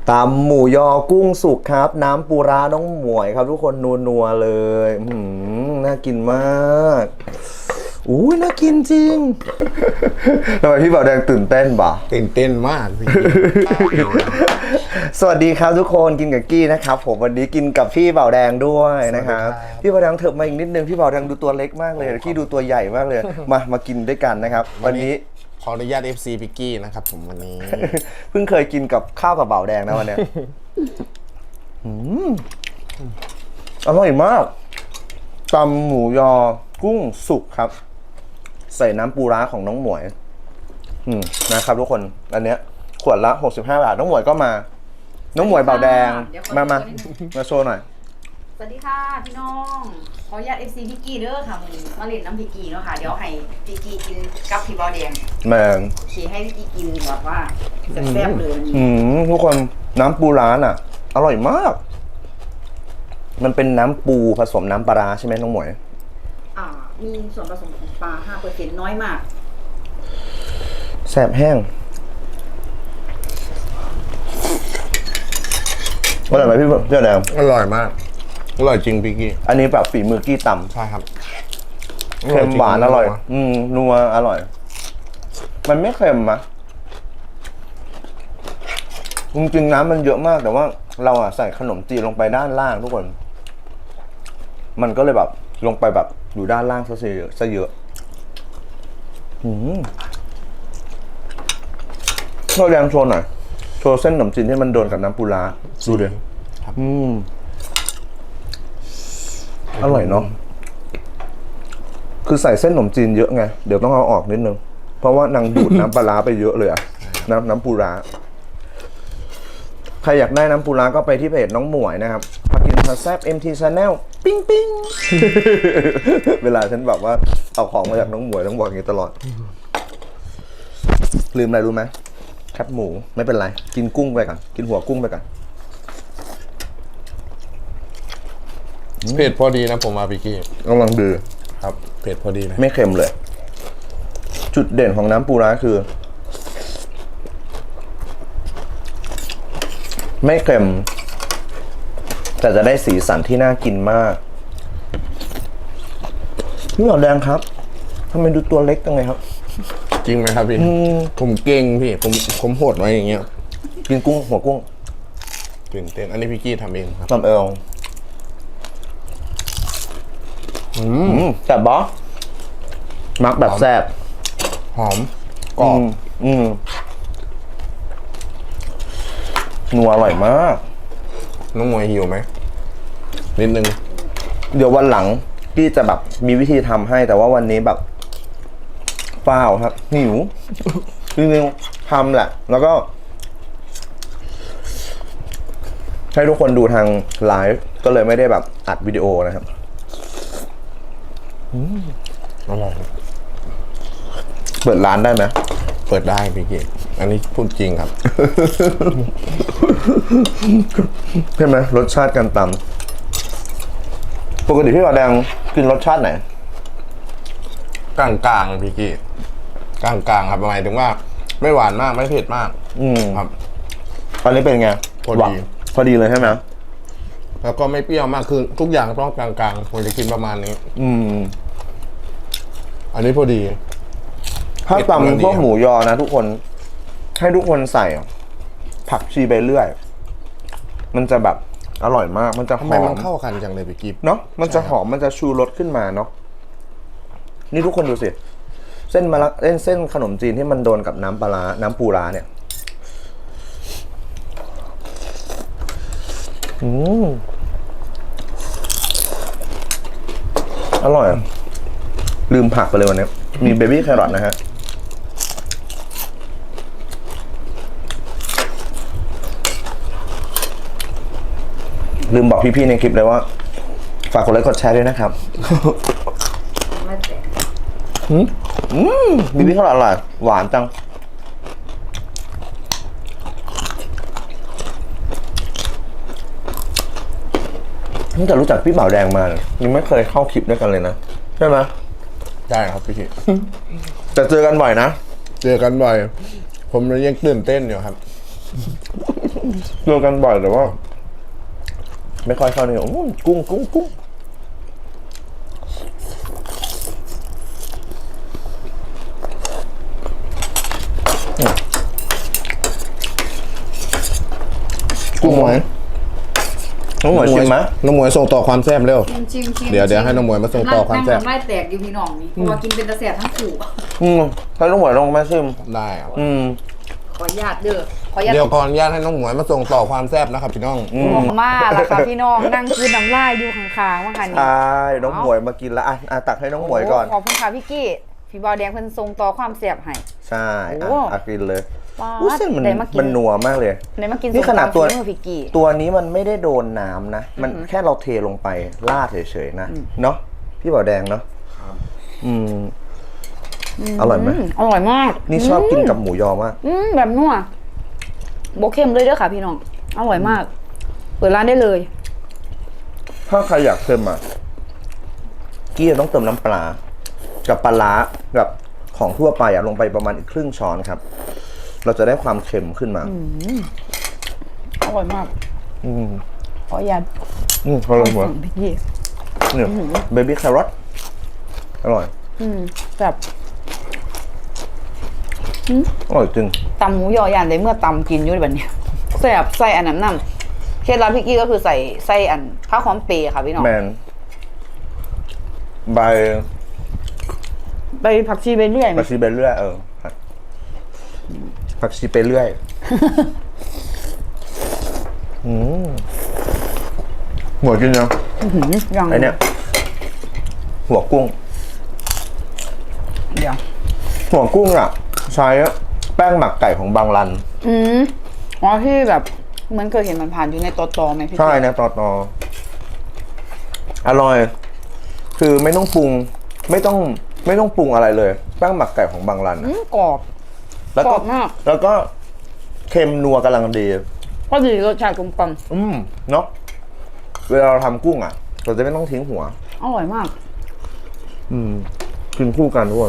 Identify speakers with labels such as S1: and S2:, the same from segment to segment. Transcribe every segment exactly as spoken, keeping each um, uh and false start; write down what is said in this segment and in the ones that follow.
S1: ตำหมูยอกุ้งสุกครับน้ำปูร้าน้องหมวยครับทุกคนนัวๆเลยอืมน่ากินมากอุ้ยน่ากินจริงทำไมพี่บ่าวแดงตื่นเต้นบ่า
S2: ตื่นเต้นมากพี่
S1: สวัสดีครับทุกคนกินกับกี้นะครับผมวันนี้กินกับพี่บ่าวแดงด้วยนะครับพี่บ่าวแดงเถิบมาอีกนิดนึงพี่บ่าวแดงดูตัวเล็กมากเลยกี้ดูตัวใหญ่มากเลยมามากินด้วยกันนะครับวันนี้
S2: ขออนุญาต เอฟ ซี พิกกี้นะครับผมวันนี้
S1: เพิ่งเคยกินกับข้าวกับบ่าวแดงนะวันนี้อร่อยมากตำหมูยอกุ้งสุกครับใส่น้ำปูร้าของน้องหมวยอืมนะครับทุกคนอันเนี้ยขวดละหกสิบห้าบาทน้องหมวยก็มาน้องหมวยบ่าวแดงมามามาโชว์หน่อย
S3: สวัสดีค่ะพี่น้องขออนุญาต เอฟ ซี พิกกี้เด้อค่ะมึงมาเล่นน้ำพิกกี้เนาะค่ะเดี๋ยวให้พิกกี้กินกับพี่บอแดง
S1: แมง
S3: โอเคให้พิกกี้กินแบบว่าแซ่บๆเลย
S1: อืมทุกคนน้ำปูร้าน่ะอร่อยมากมันเป็นน้ำปูผสมน้ำปลาใช่ไหมน้องหมวย
S3: อ่ามีส่วนผสมของปลา ห้าเปอร์เซ็นต์ น้อยมาก
S1: แซ่บแห้งอร่อยไหมพี่เจ้าแดง
S2: อร่อยมากอร่อยจริงพิกกี้
S1: อันนี้แบบฝีมือกี้ตำ
S2: ใช่ครับ
S1: เค็มหวานอร่อยอืมนัวอร่อยมันไม่เค็มมะจริงๆน้ำมันเยอะมากแต่ว่าเราอะใส่ขนมจีนลงไปด้านล่างทุกคนมันก็เลยแบบลงไปแบบอยู่ด้านล่างซะเยอะซะเยอะอืมเราแรงโชว์หน่อยโชว์เส้นขนมจีนที่มันโดนกับน้ำปูร้าดูดิอืมอร่อยเนาะคือใส่เส้นขนมจีนเยอะไงเดี๋ยวต้องเอาออกนิดนึงเพราะว่านางดูดน้ำปลาร้าไปเยอะเลยอะน้ำน้ำปูร้าใครอยากได้น้ำปูร้าก็ไปที่เพจน้องหมวยนะครับพากินพาแซบ เอ็ม ที Channel ปิ้งปิ้ง เวลาฉันแบบว่าเอาของมาจากน้องหมวยต้องบอกอย่างนี้ตลอดลืมอะไรรู้ไหมแคบหมูไม่เป็นไรกินกุ้งไปก่อนกินหัวกุ้งไปก่อน
S2: เผ็ดพอดีนะผมมาพิกกี้
S1: กำลังดี
S2: ครับเผ็ดพอดีเลย
S1: ไม่เค็มเลยจุดเด่นของน้ำปูร้าคือไม่เค็มแต่จะได้สีสันที่น่ากินมากนี่หรอแดงครับทำไมดูตัวเล็กจังเลยครับ
S2: จริงไหมครับพี่ผมเก่งพี่ผมผมโหดไว้อย่างเงี้ย
S1: กินกุ้งหัวกุ้ง
S2: ตื่นเต้นอันนี้พิกกี้ทำเองครับ
S1: ทำเองอืมแซ่บบอมักแบบแซ่บ
S2: หอมกรอบ
S1: อืมนัวอร่อยมาก
S2: น้องมวยหิวไหมนิดนึง
S1: เดี๋ยววันหลังพี่จะแบบมีวิธีทำให้แต่ว่าวันนี้แบบเปล่าครับหิวจริงๆทำแหละแล้วก็ให้ทุกคนดูทางไลฟ์ก็เลยไม่ได้แบบอัดวิดีโอนะครับ
S2: อร่อย
S1: เปิดร้านได้ไหม
S2: เปิดได้พี่กี้อันนี้พูดจริงครับ
S1: ใช่ไหมรสชาติการตำปกติพี่บ่าวแดงกินรสชาติไหน
S2: กลางกลางพี่กี้กลางกลางครับหมายถึงว่าไม่หวานมากไม่เผ็ดมาก
S1: อืม
S2: ครับ
S1: ตอนนี้เป็นไง
S2: พอดี
S1: พอดีเลยใช่ไหม
S2: แล้วก็ไม่เปรี้ยวมากคือทุกอย่างต้องกลางกลางผมจะกินประมาณนี้
S1: อืม
S2: อันนี้พอดี
S1: ถ้าตำพวกหมูยอนะทุกคนให้ทุกคนใส่ผักชีไปเรื่อยมันจะแบบอร่อยมากมันจะหอม
S2: ทำไมมันเข้ากันจังเลยพี่กิ๊บ
S1: เนาะมันจะหอมมันจะชูรสขึ้นมาเนาะนี่ทุกคนดูสิเส้นมะละเส้นเส้นขนมจีนที่มันโดนกับน้ำปลาน้ำปูร้าเนี่ยอืมอร่อยลืมผักไปเลยวันนี้มีเบบี้แครอทนะฮะลืมบอกพี่ๆในคลิปเลยว่าฝากกดไลค์กดแชร์ด้วยนะครับอืมอืมเบบี้แครอทอร่อยหวานจังตั้งแต่รู้จักพี่บ่าวแดงมายังไม่เคยเข้าคลิปด้วยกันเลยนะใช่ไหม
S2: ได้ครับพี่คิด
S1: แต่เจอกันบ่อยนะ
S2: เจอกันบ่อยผมยังตื่นเต้นอยู่ครับ
S1: เจอกันบ่อยแต่ว่า ไม่ค่อยเข้าเนี่ยโอ้กุ้งกุ้งกุ้งกุ้งหมวยน้องหมวยชิมไหม
S2: น้องหมวยส่งต่อความแซ่บเร็ว
S3: ชิมชิมชิม
S2: เดี๋ยวเดี๋ยวให้น้องหมวยมาส่งต่อความแซ่บ
S3: นั่งไล่แตกอยู่พี่น้องนี่เพราะว่ากินเป็นตะแสบทั้งขู่
S1: อืมให้น้องหมวยลองมาชิม
S2: ได้ครับ
S1: อืม
S3: ขออนุญาตเด้อขออนุญาต
S2: เดี๋ยวขออนุญาตให้น้องหมวยมาส่งต่อความแซ่บนะครับพี่น้อง
S1: อื
S3: มองมาแล้วค่ะพี่น้องนั่งคืนน้ำลายอยู่ข้างๆว่าค่ะนี่
S1: ใช่น้องหมวยมากินแล้วอ่ะอ่ะตักให้น้องหมวยก่อน
S3: โขอบคุณค่ะพี่กี้พี่บอลแดงเพิ่นทรงต่อความเสียบให้
S1: ใช่
S3: โอ้
S1: อ่ะอ่ะกินเลย
S3: ว้า
S1: อู้เส้นมัน
S3: ได้มากิน
S1: มันนัวมากเลย
S3: ได้มากิน
S1: นี่ขนาดตัว
S3: ส้มตำฝีมือพี่กี้
S1: ตัวนี้มันไม่ได้โดนน้ำนะ มันแค่เราเทลงไปราดเฉยๆนะ เนาะพี่บ่าวแดงเนาะอืม อร่อยไหม
S3: อร่อยมาก
S1: นี่ชอบกินกับหมูยอมาก
S3: อืมแบบนัวโบเข้มเลยเด้อค่ะพี่น้องอร่อยมาก เปิดร้านได้เลย
S1: ถ้าใครอยากเค็มอ่ะกี้จะต้องเติมน้ำปลา กับปลาร้ากับของทั่วไปอ่ะลงไปประมาณอีกครึ่งช้อนครับ เราจะได้ความเค็มขึ้นมา
S3: อร่อยมาก
S1: อืม
S3: ขออนุญาต
S1: อืมอร่อยหมด
S3: สั่งพี่กี้
S1: เนี่ยเบบี้แครอทอร่อย
S3: อืมแบบ
S1: อร่อยจริง
S3: ตำหมูยอยานได้เมื่อตำกินอยู่แบบเนี้ยแซ่บใส่อันนั้นน้ำเคล็ดลับพี่กี้ก็คือใส่ใส่อันข้าวหอมเปรย์ค่ะพี่น้อง
S1: แมนใบ
S3: ไปผักชีไปเรื่อยไหม
S1: ผักชีไปเรื่อยเออผักชีไปเรื่อยอืมหัวกินยัง
S3: ยัง
S1: ไอเนี้ยหัวกุ้ง
S3: เดี๋ยว
S1: หัวกุ้งอ่ะ ใช้แป้งหมักไก่ของบางรัน
S3: อืมอ๋อที่แบบเหมือนเคยเห็นมันผ่านอยู่ในตอตอไหมพี่
S1: ใช่นะตอตออร่อย คือไม่ต้องปรุง ไม่ต้องไม่ต้องปรุงอะไรเลย แป้งหมักไก่ของบางรัน
S3: อืมกรอบ
S1: แล้ว
S3: กร
S1: ก็
S3: อบมาก
S1: แล้วก็เค็มนัวกำลังดี
S3: ก็ดีรสชาติกลมกล่อม
S1: อืมเนาะเวลาเราทำกุ้งอ่ะ เราจะไม่ต้องทิ้งหัว
S3: อร่อยมาก
S1: อืมกินคู่กันทุกคน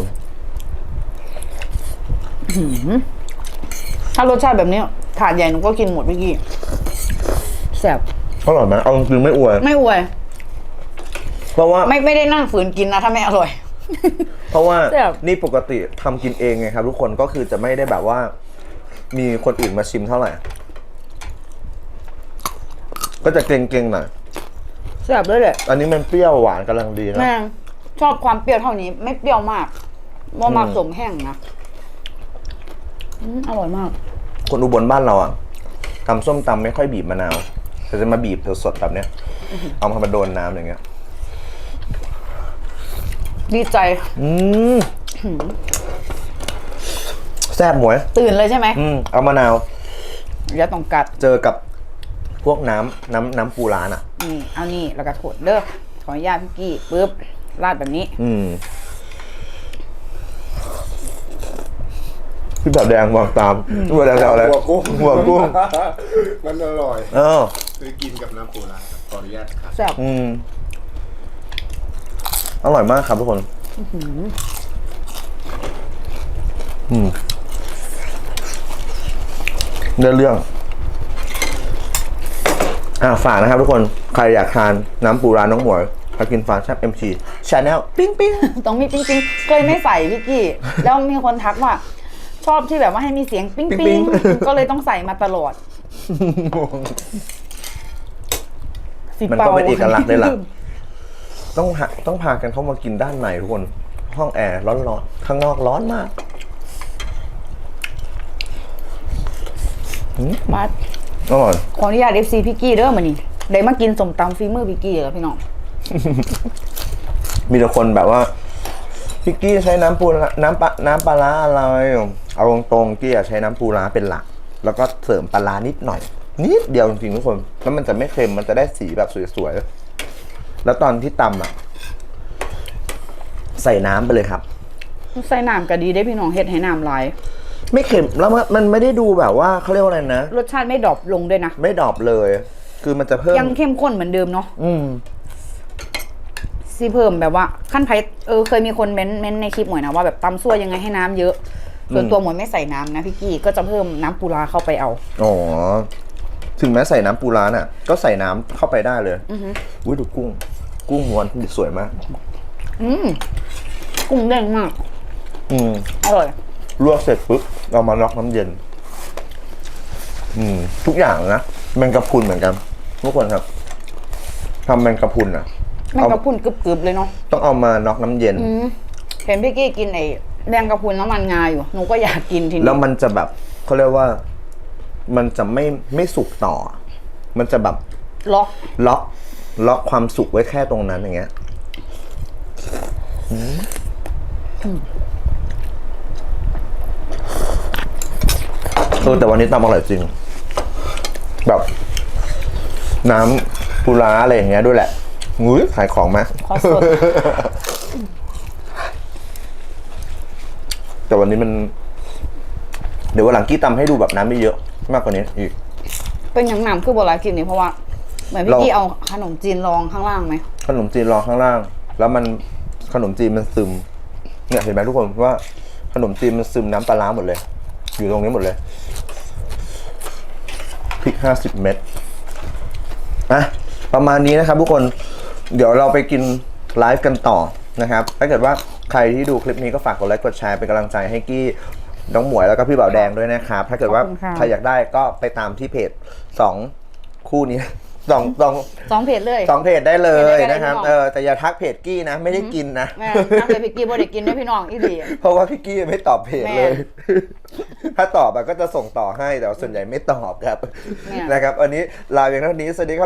S3: ถ้ารสชาติแบบนี้ถาดใหญ่หนูก็กินหมดเมื่อกี้แซ่บ
S1: อร่อยไหมเอาจริงๆไม่อวย
S3: ไม่อวย
S1: เพราะว่า
S3: ไม่ไม่ได้นั่งฝืนกินนะถ้าไม่อร่อย
S1: เพราะว่า
S3: แซ่บ
S1: นี่ปกติทำกินเองไงครับ ทุกคนก็คือจะไม่ได้แบบว่า มีคนอื่นมาชิมเท่าไหร่ ก็จะเก่งๆหน่อย
S3: แซ่บเลยแหละ
S1: อันนี้มันเปรี้ยวหวานกำลังดีนะ
S3: แม่งชอบความเปรี้ยวเท่านี้ ไม่เปรี้ยวมากว่ามา
S1: อืม
S3: สมแห้งนะอืมอร่อยมาก
S1: คนอุบลบ้านเราอ่ะตำส้มตำไม่ค่อยบีบมะนาวแต่จะมาบีบสดๆแบบเนี้ย เอามาโดนน้ำอย่างเงี้ย
S3: ดีใจ
S1: อืมแซ่บหมวย
S3: ตื่นเลยใช่ไหม
S1: อืมเอามะนาว
S3: อย่าต้องกัด
S1: เจอกับพวกน้ำน้ำน้ำปูร้านอ่ะ
S3: นี่เอานี่แล้วก็โถดเด้อขออนุญาตพี่กี้ปึ๊บราดแบบนี้
S1: อืมพี่แบบแดงวางตามพี่แบบแดงจะเอาอะไร
S2: หัวกุ้ง
S1: หัวกุ้ง
S2: มันอร่อย
S1: เออ
S2: คือกินกับน้ำปูร้าครับขออนุญาตครับ
S3: แซ่บ
S1: อืมอร่อยมากครับทุกคนอืมได้เรื่อง อ่าฝากนะครับทุกคน ใครอยากทานน้ำปูร้านน้องหมวยพากินฟาแซ่บเอ็มซีชาแนลปิ้งปิ้ง
S3: ต้องมีปิ๊งปิ๊งเคยไม่ใส่พี่กี้ แล้วมีคนทักว่า ชอบที่แบบว่าให้มีเสียงปิ๊งปิ๊งก็เลยต้องใส่มาตลอดสิ
S1: มัน
S3: เป่า
S1: ก็เป็นเอกลักษณ์เลยล่ะ ต้องหาต้องพากันเข้ามากินด้านในทุกคน ห้องแอร์ร้อนๆ ข้างนอกร้อนมาก
S3: มา
S1: อร่อย
S3: ขออนุญาต เอฟ ซี พี่กี้เด้อมานี่ได้มากินสมตำฝีมือพี่กี้แล้วพี่น้อง
S1: มีแต่คนแบบว่าพี่กี้ใช้น้ำปูร้าน้ำปลาน้ำปลาร้าอะไร เอาตรงๆกี้อะใช้น้ำปูร้าเป็นหลัก แล้วก็เสริมปลาร้านิดหน่อย นิดเดียวจริงๆทุกคน แล้วมันจะไม่เค็ม มันจะได้สีแบบสวยๆ แล้วตอนที่ตำอ่ะ ใส่น้ำไปเลยครับ
S3: ใส่น้ำก็ดีได้พี่น้องเฮ็ดให้น้ำลาย
S1: ไม่เค็ม แล้วมันมันไม่ได้ดูแบบว่าเขาเรียกว่าอะไรนะ
S3: รสชาติไม่ดรอปลงด้วยนะ
S1: ไม่ดรอปเลย คือมันจะเพิ่ม
S3: ยังเข้มข้นเหมือนเดิมเนาะ
S1: อืม
S3: ซีเพิ่มแบบว่าขั้นไพเออเคยมีคนเม้นเม้นในคลิปหมวยนะว่าแบบตำซั่วยังไงให้น้ำเยอะ ส่วนตัวหมวยไม่ใส่น้ำนะพี่กี้ก็จะเพิ่มน้ำปูร้าเข้าไปเอา
S1: อ๋อถึงแม้ใส่น้ำปูร้าน่ะ ก็ใส่น้ำเข้าไปได้เลย
S3: อือหือ
S1: อุ้ยดูกุ้ง กุ้งม้วนสวยมาก
S3: อืมกุ้งเด้งมาก
S1: อืม
S3: อร่อย
S1: ลวกเสร็จปุ๊บเรามาน็อกน้ำเย็น อืม ทุกอย่างนะแมงกะพรุนเหมือนกันทุกคนครับทำแมงกะพรุนอ่ะ
S3: แมงกะพรุนกรึบๆเลยเนาะ
S1: ต้องเอามาน็อกน้ำเย็น
S3: อืมเห็นพี่กี้กินไอ้แมงกะพรุนน้ำมันงาอยู่หนูก็อยากกินทีนี้
S1: แล้วมันจะแบบเขาเรียกว่า มันจะไม่ไม่สุกต่อ มันจะแบบ
S3: ล็อก
S1: ล็อกล็อกความสุกไว้แค่ตรงนั้นอย่างเงี้ยอืมเออแต่วันนี้ตำอร่อยจริง แบบ น้ำปูร้าอะไรอย่างเงี้ยด้วยแหละงุ้ยขายของไหม
S3: ขอสด
S1: แต่วันนี้มัน เดี๋ยววันหลังกี้ตำให้ดูแบบน้ำไม่เยอะมากกว่านี้อีก
S3: เป็นอย่างหนำคือโบราณกินนี่เพราะว่าเหมือนพี่
S1: เรา
S3: กี้เอาขนมจีนรองข้างล่างไหม
S1: ขนมจีนรองข้างล่าง แล้วมันขนมจีนมันซึม เนี่ยเห็นไหมทุกคนว่าขนมจีนมันซึมน้ำปลาร้าหมดเลย อยู่ตรงนี้หมดเลยพริกห้าสิบเม็ดอ่ะประมาณนี้นะครับทุกคนเดี๋ยวเราไปกินไลฟ์กันต่อนะครับ ถ้าเกิดว่าใครที่ดูคลิปนี้ก็ฝากกดไลค์กดแชร์เป็นกำลังใจให้กี้น้องหมวยแล้วก็พี่บ่าวแดงด้วยนะครับ ถ้าเกิดว่าใครอยากได้ก็ไปตามที่เพจสองคู่นี้ สองสอง
S3: สองเพจเลย
S1: สองเพจได้เลย
S3: เพจได้
S1: นะครับ
S3: พี่น้อง
S1: เออแต่อย่าทักเพจกี้นะ ไม่ได้กินนะ
S3: แม่น้ำเลยพี่กี้บ่ได้กินด้วยพี่น้องอีหลี
S1: เพราะว่าพี่กี้ไม่ตอบเพจ
S3: แม่
S1: เลย ถ้าตอบอะก็จะส่งต่อให้แต่ว่าส่วนใหญ่ไม่ตอบครับ
S3: แม่
S1: นะครับ อันนี้ลาเพียงเท่านี้สวัสดีครับ